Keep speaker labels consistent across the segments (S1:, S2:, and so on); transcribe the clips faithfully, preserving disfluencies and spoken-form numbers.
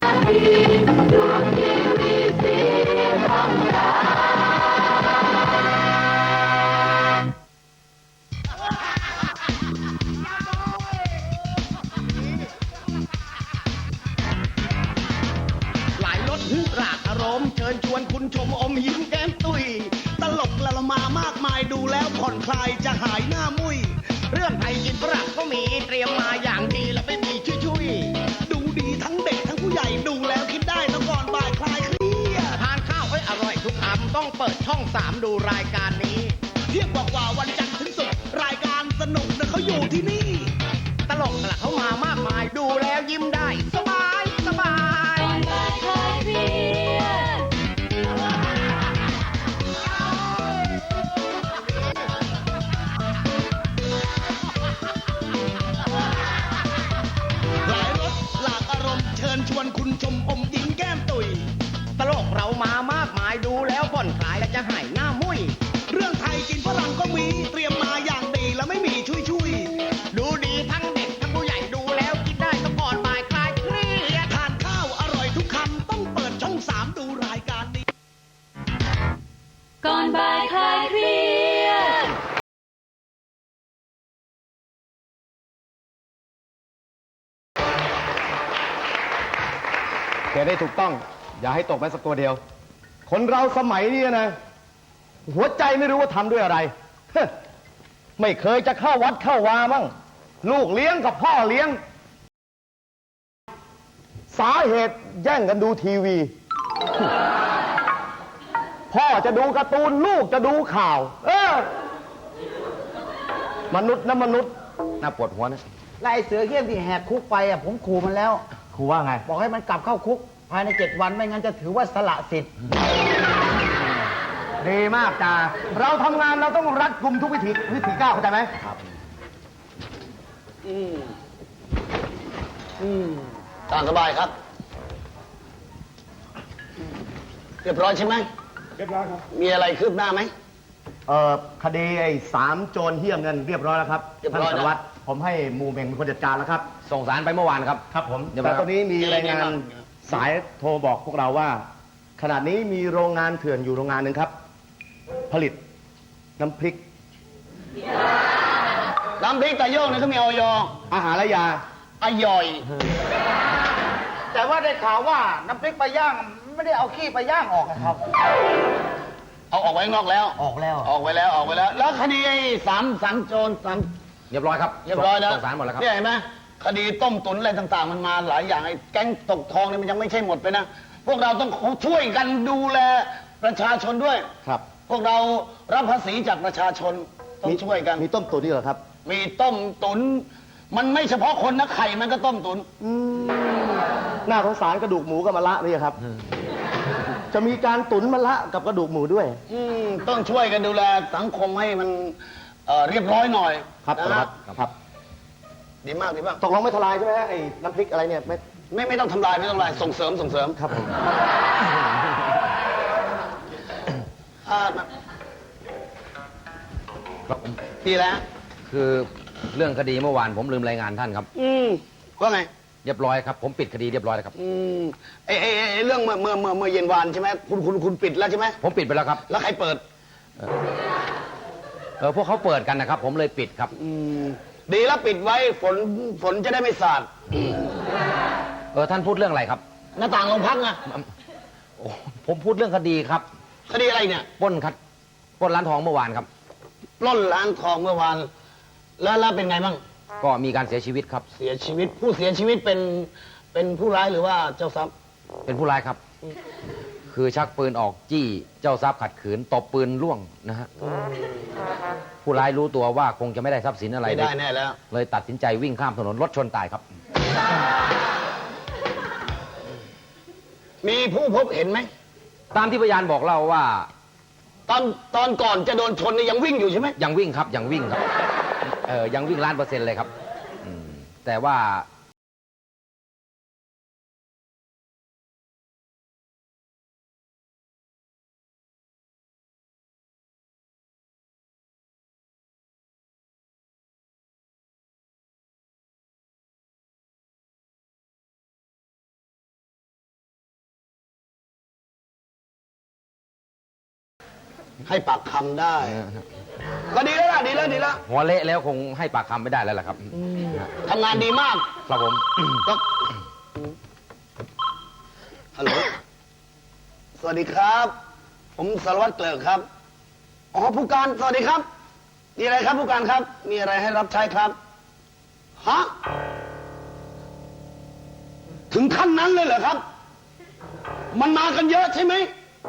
S1: หลายรถรากอารมณ์เชิญชวนคุณชมอมยิ้มแก้มตุยตลกละละมามากมายดูแล้วผ่อนคลายจะหายหน้ามุยเรื่องไทยกินฝรั่งก็มีเตรียมมาอย่างดีแล้วไม่มีชุยชุยดูดีทั้งเด็กทั้งผู้ใหญ่ดูแล้วคิดได้แล้วก่อนบ่ายคลายเครียดทานข้าวให้อร่อยทุกคำต้องเปิดช่องสามดูรายการนี้เที่ยงกว่าวันจันทร์ถึงศุกร์รายการสนุกนะเขาอยู่ที่นี่ตลกละเขามามากมายดูแล้วยิ้มได้สบายสบายเชิญชวนคุณชมอมยิ้มแก้มตุยตลกเรามามากมายดูแล้วผ่อนคลายและจะหายหน้ามุยเรื่องไทยกินฝรั่งก็มีเตรียมมาอย่างดีแล้วไม่มีชุยชุยดูดีทั้งเด็กทั้งผู้ใหญ่ดูแล้วคิดได้ต้องก่อนบ่ายคลายเครียดทานข้าวอร่อยทุกคำต้องเปิดช่องสามดูรายการนี้
S2: ก่อนบ่ายคลายเครียด
S3: เขียนได้ถูกต้องอย่าให้ตกแม้สักตัวเดียวคนเราสมัยนี้นะหัวใจไม่รู้ว่าทำด้วยอะไรไม่เคยจะเข้าวัดเข้าวามั่งลูกเลี้ยงกับพ่อเลี้ยงสาเหตุแย่งกันดูทีวีพ่อจะดูการ์ตูนลูกจะดูข่าวเออมนุษย์นะมนุษย์น่าปวดหัวนะ
S4: ไล่เสือเขี้ยมที่แหกคุกไปอ่ะผมขู่มันแล้ว
S3: ครูว่าไง
S4: บอกให้มันกลับเข้าคุกภายในเจ็ดวันไม่งั้นจะถือว่าสละสิทธิ์
S3: ดีมากจ้าเราทำงานเราต้องรัดกุมทุกวิถีวิถีก้าวเข้าใจไหมครับ
S1: อืมอืมตามสบายครับเรียบร้อยใช่ไหม
S3: เรียบร้อยครับ
S1: มีอะไรคืบหน้าไหม
S3: เอ่อคดีไอ้สามโจรเฮี้ยมเงินเรียบร้อยแล้วครับ
S1: เรียบร้อยแล้ว
S3: ผมให้มูเมงเป็นคนจัดการแล้วครับ
S5: ส่งสารไปเมื่อวานครับ
S3: ครับผมแต่ตอนนี้มีรายงานสายโทรบอกพวกเราว่าขณะนี้มีโรงงานเถื่อนอยู่โรงงานหนึ่งครับผลิตน้ำพริก
S1: น้ำพริกตะโยงเนี่ยเขามีออย
S3: อาหารและยา
S1: อร่อย
S4: แต่ว่าได้ข่าวว่าน้ำพริกปลาย่างไม่ได้เอาขี้ปลาย่างออกครับ
S1: เอาออกไว้ข้างนอกแล้ว
S4: ออกแล้ว
S1: ออกไว้แล้วออกไว้แล้วแล้วคดีไอ้สามสามโจรสาม
S5: เรียบร้อยครับ
S1: เรียบร้อยแล้ว
S5: ส่งสารหมดแล้วครับ
S1: เนี่ยเห็นไหมคดีต้มตุ๋นอะไรต่างๆมันมาหลายอย่างไอ้แก๊งตกทองเนี่ยมันยังไม่ใช่หมดไปนะพวกเราต้องช่วยกันดูแลประชาชนด้วย
S3: ครับ
S1: พวกเรารับภาษีจากประชาชนต้องช่วยกัน
S3: มีต้มตุ๋นนี่เหรอครับ
S1: มีต้มตุ๋นมันไม่เฉพาะคนนะไข่มันก็ต้มตุ๋น
S3: น่าสงสารกระดูกหมูกับมะระนี่ครับจะมีการตุ๋นมะระกับกระดูกหมูด้วย
S1: อืมต้องช่วยกันดูแลสังคมให้มันเอ่อเรียบร้อยหน่อย
S3: ครับครับครับ
S1: ดีมากดีมาก
S3: ตกลงไม่ทลายใช่ไหมฮะไอ้น้ำพริกอะไรเนี่ยไม่
S1: ไม่ไม่ต้องทำลายไม่ต้องทำลายส่งเสริมส่งเสริม
S3: ครับผม
S1: ดีแล้ว
S5: คือเรื่องคดีเมื่อวานผมลืมรายงานท่านครับ
S1: อืมว่าไง
S5: เรียบร้อยครับผมปิดคดีเรียบร้อยแล้วครับ
S1: อืมไอ้ไอ้ไอ้เรื่องเมื่อเมื่อเมื่อเมื่อเย็นวานใช่ไหมคุณคุณคุณปิดแล้วใช่ไหม
S5: ผมปิดไปแล้วครับ
S1: แล้วใครเปิด
S5: เออพวกเขาเปิดกันนะครับผมเลยปิดครับ
S1: อืมดีแล้วปิดไว้ฝนฝนจะได้ไม่สาด
S5: เออท่านพูดเรื่องอะไรครับ
S1: หน้าต่างโรงพักไง
S5: โอ้ผมพูดเรื่องคดีครับ
S1: คดีอะไรเนี่ย
S5: ปล้นครับปล้นร้านทองเมื่อวานครับ
S1: ปล้นร้านทองเมื่อวานแล้วแล้วเป็นไงบ้าง
S5: ก็มีการเสียชีวิตครับ
S1: เสียชีวิตผู้เสียชีวิตเป็นเป็นผู้ร้ายหรือว่าเจ้าทรัพย์
S5: เป็นผู้ร้ายครับคือชักปืนออกจี้เจ้าทรัพย์ขัดขืนตบปืนล่วงนะฮะผู้ร้ายรู้ตัวว่าคงจะไม่ได้ทรัพย์สินอะไร
S1: ไม่ได้แน่แล้ว
S5: เลยตัดสินใจวิ่งข้ามถนนรถชนตายครับ
S1: มีผู้พบเห็นไหม
S5: ตามที่พยานบอกเล่าว่า
S1: ตอนตอนก่อนจะโดนชนนี่ยังวิ่งอยู่ใช่ไหม
S5: ยังวิ่งครับยังวิ่งครับเออยังวิ่งล้านเปอร์เซ็นต์เลยครับแต่ว่า
S4: ให้ปากคำได้ ก็ดีแล้วล่ะดีแล้วดีแล้ว
S5: หัวเละแล้วคงให้ปากคำไม่ได้แล้วล่ะครับ
S4: ทำงานดีมาก
S5: ครับผม
S4: ก็ฮัลโหลสวัสดีครับ ผมสารวัตรเกลิกครับอ๋อผู้การสวัสดีครับมีอะไรครับผู้การครับ มีอะไรให้รับใช้ครับฮะถึงขั้นนั้นเลยเหรอครับ มันมากันเยอะใช่ไหม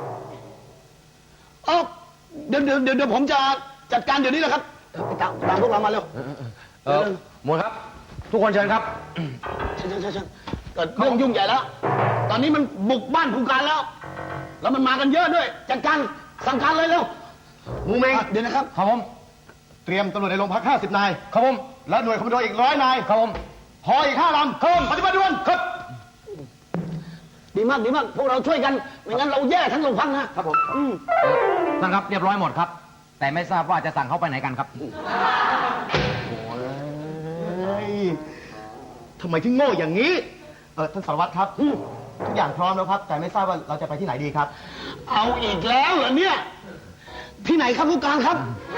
S4: เออเดี๋ยวเดี๋ยวเดี๋ยวผมจะจัดการเดี๋ยวนี้แหละครับไปตามตามพวกเรามาเร็ว
S5: เออหมวดครับ ทุกคนเชิญครับ
S4: เชิญเชิญเชิญเชิญเกิดเรื่องยุ่งใหญ่แล้ว ตอนนี้มันบุกบ้านผู้การแล้ว แล้วมันมากันเยอะด้วย จัดการสั่งการเลยเร็ว
S3: มูเมง
S4: อ่ะเดี๋ยวนะครับ
S3: ครับผม เตรียมตำรวจในโรงพักห้าสิบนาย
S5: ครับผม
S3: และหน่วยคอมมานโดอีกร้อยนาย
S5: ครับผม
S3: พออีกห้าลำเพิ่มปฏิบัติด่วนครับ
S4: ดีมากดีมาก พวกเราช่วยกัน ไม่งั้นเราแย่ทั้งโรงพักนะครับผมอืม
S5: เออท่านครับเรียบร้อยหมดครับ แต่ไม่ทราบว่าจะสั่งเขาไปไหนกันครับ
S3: เฮ้ยทำไมถึงโง่อย่างนี้ เออท่านสารวัตรครับ ทุกอย่างพร้อมแล้วครับ แต่ไม่ทราบว่าเราจะไปที่ไหนดีครับ
S4: เอาอีกแล้วเหรอเนี่ย ที่ไหนครับผู้การครับ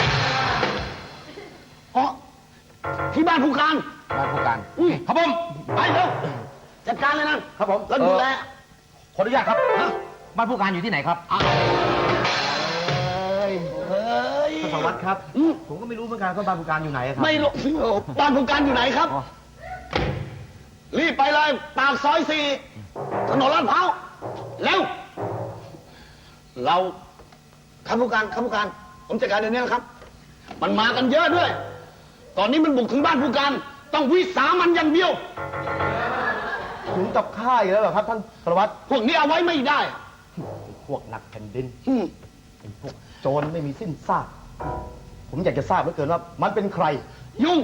S4: อ๋อที่บ้านผู้การ
S5: บ้านผู้การ
S4: อุ้ย
S5: ครับผม
S4: ไปเร็วจัดการเลยนะครับ
S5: ผม
S4: แล้วดูแล
S5: ขออนุญาตครับบ้านผู้การอยู่ที่ไหนครับ
S4: อ้าวเฮ้ย
S3: ท่านสารวัตรครับ
S4: อืม
S3: ผมก็ไม่รู้เหมือนกันว่าบ้านผู้การอยู่ไหนครับ
S4: ไม่รู้บ้านผู้การอยู่ไหนครับ
S3: อ๋อ
S4: รีบไปเลย ปากซอยสี่ถนนลาดพร้าวเร็ว เราครับผู้การครับผู้การ ผมจัดการเดี๋ยวนี้นะครับ มันมากันเยอะด้วย ตอนนี้มันบุกถึงบ้านผู้การ ต้องวิสามันอย่างเดียว
S3: ถึงกับฆ่าอีกแล้วเหรอครับท่านสารวัตร
S4: พวกนี้เอาไว้ไม่ได้
S3: พวกนักแผ่นดิน
S4: อืม
S3: ไอ้พวกโจรไม่มีสิ้นซาก ผมอยากจะทราบเหลือเกินว่ามันเป็นใคร
S4: ยุ่ง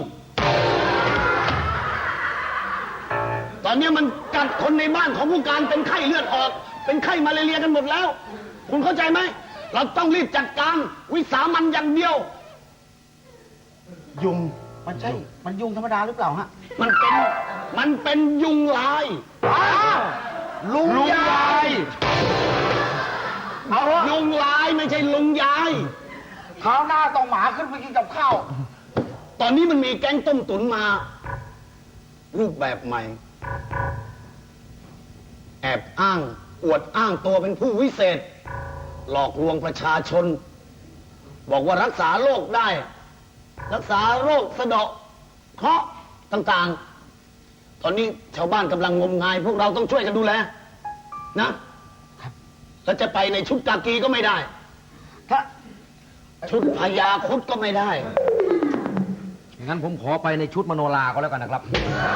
S4: ตอนนี้มันกัดคนในบ้านของผู้การเป็นไข้เลือดออก เป็นไข้มาเลเรียกันหมดแล้ว คุณเข้าใจไหม เราต้องรีบจัดการวิสามันอย่างเดียว
S3: ยุง
S4: มันใช่ มันยุงธรรมดาหรือเปล่าฮะ มันเป็น มันเป็นยุงลาย
S3: ลุงยาย
S4: เอายุงลายไม่ใช่ลุงยายคราวหน้าต้องหมาขึ้นไปกินกับข้าว ตอนนี้มันมีแก๊งต้มตุ๋นมา รูปแบบใหม่ แอบอ้าง อวดอ้างตัวเป็นผู้วิเศษ หลอกลวงประชาชน บอกว่ารักษาโรคได้ รักษาโรคสะเดาะเคราะห์ต่างๆ ตอนนี้ชาวบ้านกำลังงมงาย พวกเราต้องช่วยกันดูแล นะ แล้วจะไปในชุดกากีก็ไม่ได้ ถ้าชุดพญาครุฑก็ไม่ได้
S5: งั้นผมขอไปในชุดมโนราก็แล้วกันนะครับ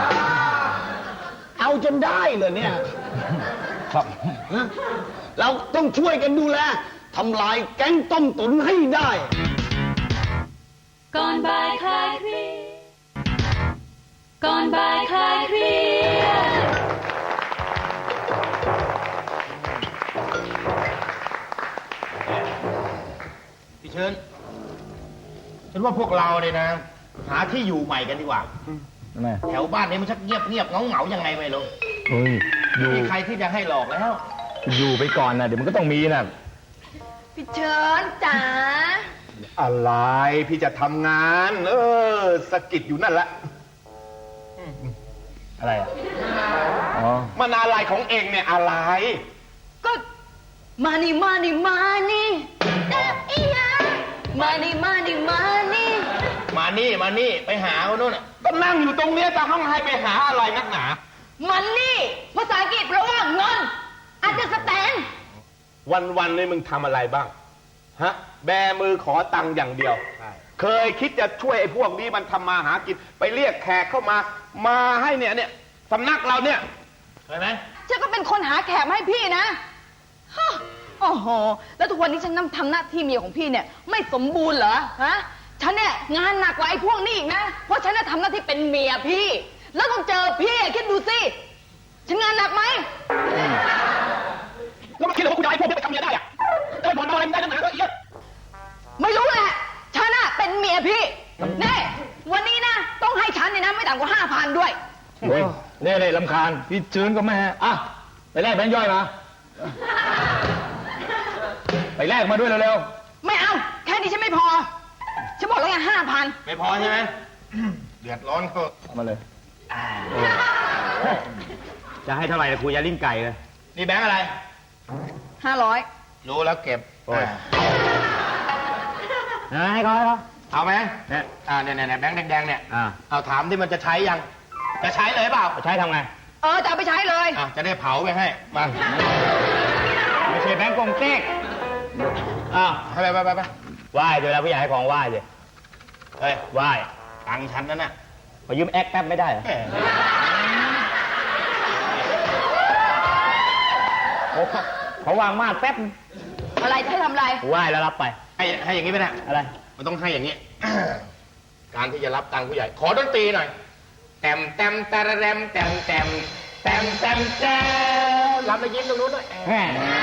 S4: เอาจนได้เลยเนี่ย
S5: ครับ
S4: นะเราต้องช่วยกันดูแลทำลายแก๊งต้มตุ๋นให้ได้
S2: ก่อนบ่ายคลายเครียดก่อนบ่ายคลายเครียด
S6: พี่เชิญฉันว่าพวกเราเนี่ยนะ หาที่อยู่ใหม่กันดีกว่า
S3: แม่
S6: แถวบ้านนี้มันชักเงียบเงียบเงาเงาๆยังไงไม่รู้
S3: เฮ้ย อยู่
S6: มีใครที่จะให้หลอกแล้ว
S3: อยู่ไปก่อนนะเดี๋ยวมันก็ต้องมีนะ
S7: พี่เชิญจ๋า
S6: อะไรพี่จะทำงาน เออสะกิดอยู่นั่นแหละ
S3: อะไรอ่ะ อ๋อ
S6: มันอะไรของเองเนี่ยอะไร
S7: ก็มานี่มานี่มานี่เอ๊ะอีหยังมานี่มานี่มานี่
S6: มานี่มานี่ไปหาเขาโน่นน่ะก็นั่งอยู่ตรงเนี้ยจะห้องให้ไปหาอะไรนักหนา
S7: มันนี่ภาษาอังกฤษแปลว่าเงินอาจจะสแตน
S6: วันวันๆนี่มึงทำอะไรบ้าง ฮะ แบมือขอตังค์อย่างเดียว เคยคิดจะช่วยไอ้พวกนี้มันทำมาหากิน ไปเรียกแขกเข้ามา มาให้เนี่ยเนี่ยสำนักเราเนี่ยเคยไหม
S7: ฉันก็เป็นคนหาแขกมาให้พี่นะฮะโอ้โห แล้วทุกวันนี้ฉันทำหน้าที่เมียของพี่เนี่ย ไม่สมบูรณ์เหรอ ฮะ ฉันเนี่ยงานหนักกว่าไอ้พวกนี้อีกนะ เพราะฉันน่ะทำหน้าที่เป็นเมียพี่ แล้วต้องเจอพี่คิดดูสิ ฉันงานหนักไหม
S6: แล้วมันคิดว่ากูจะให้พวกนี้ไปทำเมียได้อะได้ผลอะไรไม่ได้นักหนาก็อีก
S7: ไม่รู้แหละ ฉันน่ะเป็นเมียพี่เน่วันนี้นะ ต้องให้ฉันเนี่ยนะไม่ต่ำกว่าห้าพันด้วย
S3: เฮ้ยเน่เน่ลำคาญ พี่เชิญก็แม่อ่ะ ไปแลกแบงค์ย่อยมา ไปแลกมาด้วยเร็ว
S7: ไม่เอานี้ฉันไม่พอ ฉันบอกแล้วไงห้าพัน
S6: ไม่พอใช่ไหม เดือดร้อนเขา
S3: มาเลย
S4: จะให้เท่าไหร่ครูยาลิ้นไก่เลย
S6: นี่แบงค์อะไร
S7: ห้าร้อย
S6: รู้แล้วเก็บ
S4: ให้เขาให้เขา
S6: เอาไหม
S4: เนี่ย
S6: อ่าเนี่ยเนี่ยแบงค์แดงๆเนี่ย
S4: อ่า
S6: เอาถามที่มันจะใช้ยัง จะใช้เลยเปล่า
S4: ใช้ทำไง
S7: เออจะเอาไปใช้เลย
S6: อ่ะจะได้เผาไปให้ มา
S4: ไม่ใช่แบงก์กงเต๊กอ้าว
S6: ให้ไปไปไปไป
S4: ไหว้เวลาผู้ใหญ่ให้ของไหว้เลย
S6: เฮ้ย
S4: ไหว้
S6: ตังค์ฉันนั่นน่ะ
S4: ขอยืมแอคแป๊บไม่ได้เหรอ
S6: แหม
S4: โอ้ขอวางมาดแป๊บ
S7: อะไรจะให้ทำอะไร
S4: ไหว้แล้วรับไป
S6: ให้ให้อย่างนี้ไปนะ
S4: อะไร
S6: มันต้องให้อย่างนี้ การที่จะรับตังค์ผู้ใหญ่ ขอดนตรีหน่อยแต้มแต้มตะระแรมแต้มแต้มแต้มแต้มแต้มรับแล้วยิ้มตรงนู้นด้วย
S4: แหม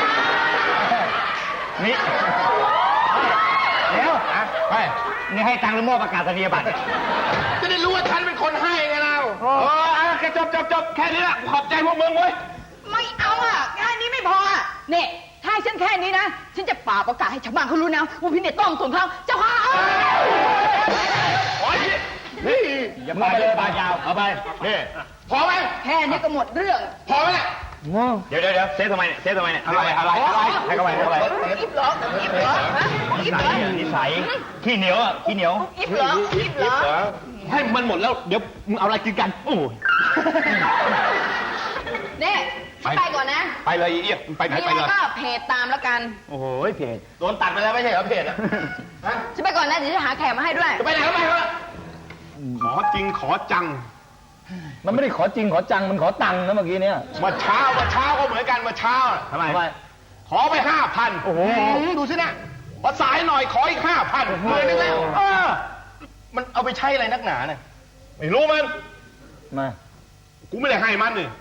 S4: นี่เดี๋ยว
S6: นะไป
S4: นี่ให้ตังค์หรือมอบประกาศนียบัตร
S6: จะได้รู้ว่าฉันเป็นคนให้ไงเราโอ้อ่ะแค่จบจบจบแค่นี้ละขอบใจพวกมึงเว้ย
S7: ไม่เอาอ่ะแค่นี้ไม่พออ่ะเนี่ยถ้าให้ฉันแค่นี้นะ ฉันจะป่าประกาศให้ชาวบ้านเขารู้นะว่าพี่เนี่ยต้มตุ๋นเขาเจ้าค่ะเอา
S6: โอ้ยนี่
S4: อย่าไปเลยปากยาว เอาไป
S6: นี่พอไหม
S7: แค่นี้ก็หมดเรื่อง
S6: พอไหมเนี่ย
S4: เดี๋ยวเดี๋ยวเดี๋ยวเซฟทำไมเนี่ย เซฟทำไมเนี่ย
S6: อะไรอะไรอะไร
S4: ให้เข้าไปให้เข้าไป
S7: อิบเหรออิบเหรอฮะอิบเหรอ
S4: นิสัยขี้เหนียวอ่ะขี้เหนียว
S7: อิบเหรออิบเหรอ
S6: ให้มันหมดแล้วเดี๋ยวมึงเอาอะไรกินกัน โอ้ย
S7: เนี่ยฉันไปก่อนนะ
S6: ไปเลยอีเอียไปไหน
S7: มี
S6: ไป
S7: อะไร
S6: เลย
S7: ก็เพจตามแล้วกัน
S4: โอ้โหเพจ
S6: โดนตัดไปแล้วไม่ใช่เหรอเพจอะฮะ
S7: ฉันไปก่อนนะเดี๋ยวจะหาแขกมาให้ด้วย
S6: จะไปไหนก็ไปเถอะขอจริงขอจัง
S3: มันไม่ได้ขอจริงขอจังมันขอตังค์นะเมื่อกี้เนี่ย
S6: เมาเช้าเมาเช้าก็เหมือนกันเมาเช้าน่ะ
S4: ทำไม
S6: ขอไปห้าพัน
S4: โอ้โห
S6: ดูสินะพอสายหน่อยขออีกห้าพันหมื่นนึงแล้วเออมันเอาไปใช้อะไรนักหนาเนี่ยไม่รู้มัน
S3: มา
S6: กูไม่ได้ให้มันนี่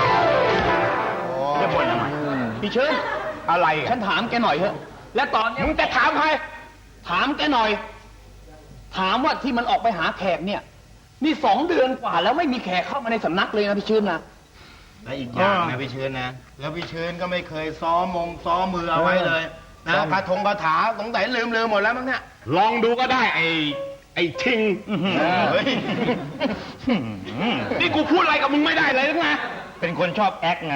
S4: จะบ่นทำไม
S6: พี่เชิญอะไรอ่ะ
S3: ฉันถามแกหน่อยเถอะและตอนเนี้ย
S6: มึงจะถามใคร
S3: ถามแกหน่อย ถามว่าที่มันออกไปหาแขกเนี่ยนี่สองเดือนกว่าแล้วไม่มีแขกเข้ามาในสำนักเลยนะพี่ชื่นนะ
S6: และอีกอย่างนะพี่เชิญนะ แล้วพี่เชิญก็ไม่เคยซ้อมมงซ้อมมือเอาไว้เลยนะคาถงคาถาสงสัยลืมลืมหมดแล้วมั้งเนี่ยลองดูก็ได้ไอ้ไอ้ทิงเฮ้ยนี่กูพูดอะไรกับมึงไม่ได้เลยนะ
S4: เป็นคนชอบแอคไง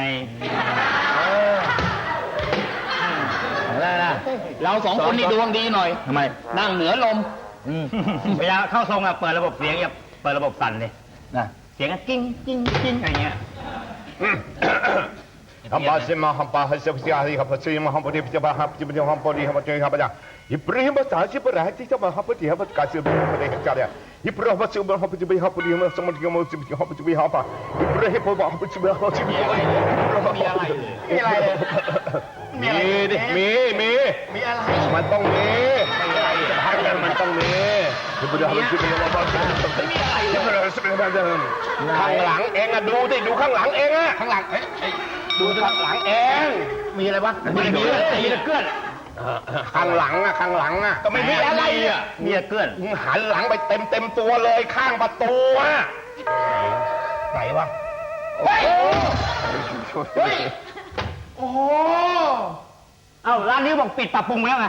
S4: อะไรนะ
S3: เราสองคนนี่ดวงดีหน่อย
S4: ทำไม
S3: นั่งเหนือลม
S4: เวลาเข้าทรงอะเปิดระบบเสียงอย่าเปิดระบบสั่นเลยนะเสียงก็กิ้งกิ้งกิ้งอะไรเงี้ย
S6: ฮัมบาซิมาฮัมบาฮัสเซียฮิฮัมบาซิมาฮัมบาดิบิบาฮัมจิบิฮัมบาดิฮัมบาจิฮัมบาจาอิบราฮิมบาสาซิบราฮิติซามาฮัมบาดิฮัมบาคาซิบฮัมบาดิฮัมบาจาอิบราฮิมบาซิบราฮัมบาจิบิฮัมบาดิฮัมบาสมัติฮัมบาจิบิฮัมบาจิบิฮัมบาอิบราฮิมบาฮัมบาจิบิฮัมบาจิบิฮัมบามีอะไรมีอะไรมีดิมีมีมีอะไรมันต้องมีมีอะไรให้กันมันต้องมีอิบราฮิมจิบิฮัมบาจิบิฮัมบามีอะไรอิบราฮิมจิบิฮัมบาข้างหลังเองอะดูดิดูข้างหลังเองอะข้างหลังเอ้ยดูข้างหลังเอง มีอะไรวะ
S4: มีมีมีตะเกื้อน
S6: ข้างหลังอะข้างหลังอะก็ไม่มีอะไรอะ
S4: มีตะเกื้อน
S6: มึงหันหลังไปเต็มเต็มตัวเลยข้างประตูอะไหนวะเฮ้ยเฮ้ยโอ้โห
S4: เอ้าร้านนี้บอกปิดปรับปรุงแล้วไง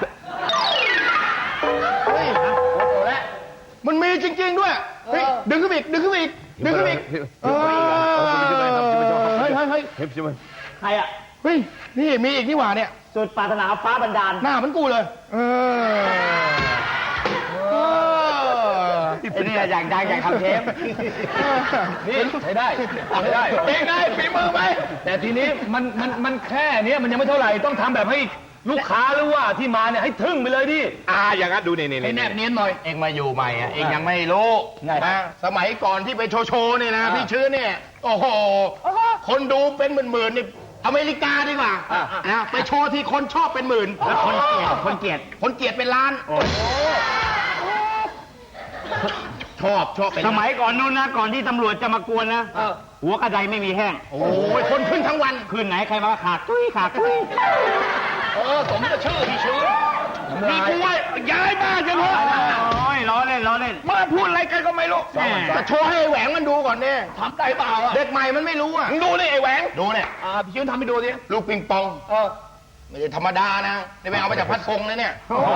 S6: เฮ้ยมันมีจริง ๆด้วยเฮ้ยดึงขึ้นอีกดึงขึ้นอีกดึงขึ้นอีกเออเฮ้ยเฮ้ยเฮ้ย
S4: ใครอะ
S6: เฮ้ยนี่มีอีกนี่หว่าเนี่ย
S4: สุดปรารถนาฟ้าบันดาล
S6: หน้าเหมันกูเลย เออเออ
S4: ไอ้นี่อยากดังอยากทำเทป
S3: นี่ใช้ได้ใช้ได้
S6: เป็นไงฝีมือไหม
S3: แต่ทีนี้มันมันมันแค่เนี้ยมันยังไม่เท่าไหร่ต้องทำแบบให้ลูกค้าหรือว่าที่มาเนี่ยให้ทึ่งไปเลยดิ
S6: อ่าอย่างนั้นดูนี่นี่
S3: ให้แนบเนียนหน่อย
S6: เองมาอยู่ใหม่อ่ะเองยังไม่รู้
S3: ไง
S6: นะสมัยก่อนที่ไปโชว์โชว์นี่นะ
S3: อ่า
S6: พี่ชื้อเนี่ยโอ้โหคนดูเป็นหมื่นๆนี่อเมริกาดีกว่า
S3: อ่า
S6: นะไปโชว์ที่คนชอบเป็นหมื่น
S4: แล้วคนเกลียดคนเกลียด
S6: คนเกลียดเป็นล้านชอบชอบเป็น
S4: สมัยก่อนนู้นนะ ก่อนที่ตำรวจจะมากวนนะ หัวกระไดไม่มีแห้ง
S6: โอ้ยคนขึ้นทั้งวัน
S4: คืนไหนใครมาขาดตุ้ยขาดตุ้ย
S6: เออสมกับชื่อพี่ชื้อนี่กูว่าย้ายบ้านกันเถอะ
S4: โอ้ยล้อเล่นล้อเล่น
S6: มาพูดอะไรกันก็ไม่รู้
S4: แหม่
S6: จะโชว์ให้ไอ้แหวงมันดูก่อนเนี่ย
S3: ทำได้เปล่าอ่ะ
S6: เด็กใหม่มันไม่รู้อ่ะมึงดูนี่ไอ้แหวงดูเนี่ย
S3: อ่าพี่ชื่นทำให้ดูดิ
S6: ลูกปิงปอง
S3: เออ
S6: ไม่ใช่ธรรมดานะนี่ไปเอามาจากพัดพงนะเนี่ย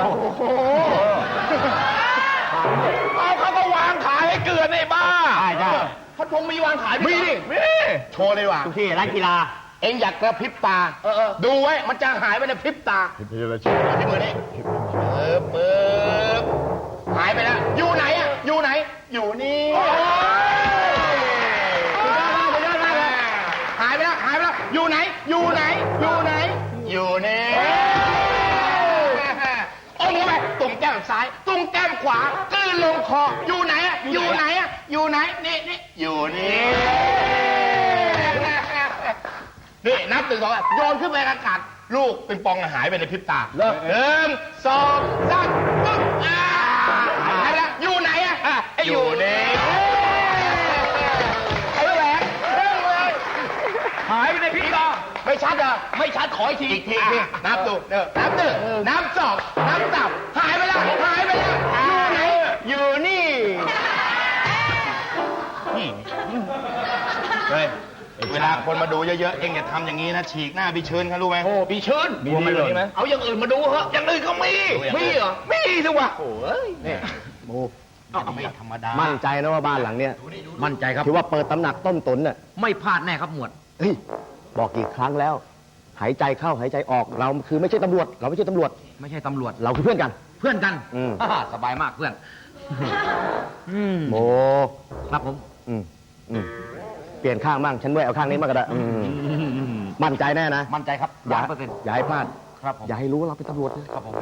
S6: เอาเขาก็วางขายให้เกลือในบ้าใช่ใช่พัดพงมีวางขายมีดิมีโชว์เลยว่ะ
S4: ทุกที่ร้านกีฬา
S6: เองอยากกระพริบตาดูไว้มันจะหายไปในพริบตาที่มือนี้ปึ๊บปึ๊บหายไปแล้วอยู่ไหนอ่ะอยู่ไหน อยู่นี่หายไปแล้วหายไปแล้วอยู่ไหน อยู่ไหน อยู่ไหน อยู่นี่โอ้โหไปตุ่มแก้มซ้ายตุ่มแก้มขวากลืนลงคออยู่ไหนอ่ะอยู่ไหนอ่ะอยู่ไหนนี่นี่อยู่นี่นี่นับถึงสองโยนขึ้นไปอากาศลูกเป็นปองหายไปในพริบตาหนึ่งสองสามปึ๊บอ่าหายไปแล้วอยู่ไหนอ่ะอยู่นี่ไอ้แหวนเรื่องเลยหายไปในพริบตาไม่ชัดเหรอไม่ชัดขออีกทีอีกทีนับดูเด้อนับหนึ่งนับสองนับสามหายไปแล้วหายไปแล้วอยู่ไหนอยู่นี่นี่เฮ้ยเวลาคนมาดูเยอะๆ เอ็งอย่าทำอย่างนี้นะ ฉีกหน้าบีเชิญเขารู้ไหมโอ้บีเชิญมีมันเลยไหมเอาอย่างอื่นมาดูเหอะอย่างอื่นก็มี มีเหรอ มีสิวะโอ้ย
S3: นี่โม
S6: ไม่ธรรมดา
S3: มั่นใจนะว่าบ้านหลังเนี้ย
S5: มั่นใจครับ
S3: ถือว่าเปิดตำหนักต้มตุ๋นน่ะ
S5: ไม่พลาดแน่ครับหมวด
S3: เฮ้ย บอกกี่ครั้งแล้ว หายใจเข้าหายใจออก เราคือไม่ใช่ตำรวจ เราไม่ใช่ตำรวจ
S5: ไม่ใช่ตำรวจ
S3: เราคือเพื่อนกัน
S5: เพื่อนกัน
S3: อืม
S5: อ่าสบายมากเพื่อนอืม
S3: โม
S5: ครับผม
S3: อืมอืมเปลี่ยนข้างบ้างฉันด้วยเอาข้างนี้มางก็ได้อืมมั่นใจแน่นะ
S5: มั่นใจครับ
S3: อย่า
S5: ล้านเปอร์เซ็นต์
S3: อย่าให้พลาด
S5: ครับผม
S3: อย่าให้รู้ว่าเราเป็นตำรวจนะ
S5: ครับผม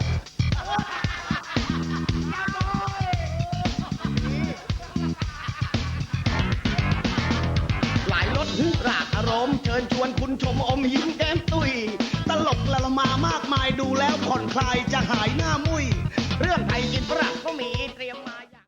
S1: หลายรสรากอารมณ์เชิญชวนคุณชมอมยิ้มแก้มตุย ตลกละละมามากมายดูแล้วผ่อนคลายจะหายหน้ามุ